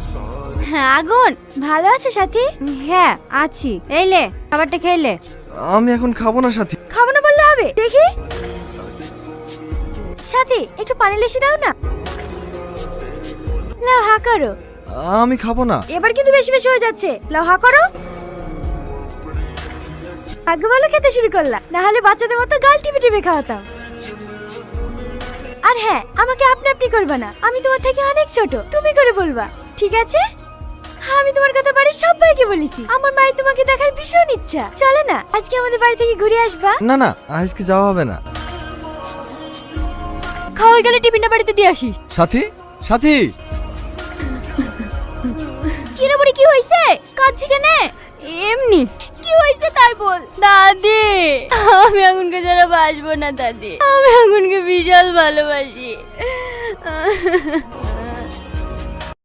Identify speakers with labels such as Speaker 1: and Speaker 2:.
Speaker 1: হ্যাঁ আগুন, ভালো আছো সাথী? হ্যাঁ আছি। এইলে খাবারটা খেলে।
Speaker 2: আমি এখন খাবো না সাথী।
Speaker 1: খাবো না বললে হবে? দেখি সাথী, একটু পানি লেসে দাও না। লাও হা করো।
Speaker 2: আমি খাবো না।
Speaker 1: এবার কিন্তু বেশি বেশি হয়ে যাচ্ছে। লাও হা করো। আগে ভালো খেতে শুরু করলা, না হলে বাচ্চাদের মতো গাল টিপে টিপে খাওয়াতাম। আর হ্যাঁ, আমাকে আপনি আপনি করবে না, আমি তোমার থেকে অনেক ছোট, তুমি করে বলবা, ঠিক আছে? হ্যাঁ, আমি তোমার কথা বাড়ির সবাইকে বলেছি। আমার মায়ের তোমাকে দেখার ভীষণ ইচ্ছা। চলো না, আজকে আমাদের বাড়ি থেকে ঘুরে আসবা।
Speaker 2: না না, আজকে যাওয়া হবে না।
Speaker 1: খাওয়া গেলে টিফিনটা বাড়িতে দিয়ে আসিস।
Speaker 2: সাথী, সাথী।
Speaker 1: কি রে বুড়ি, কি হইছে? কাঁদছি কেন? এমনি। কি হইছে তাই বল। দাদি, আমি আগুনকে ছাড়া বাঁচবো না দাদি। আমি আগুনকে বিশাল ভালোবাসি।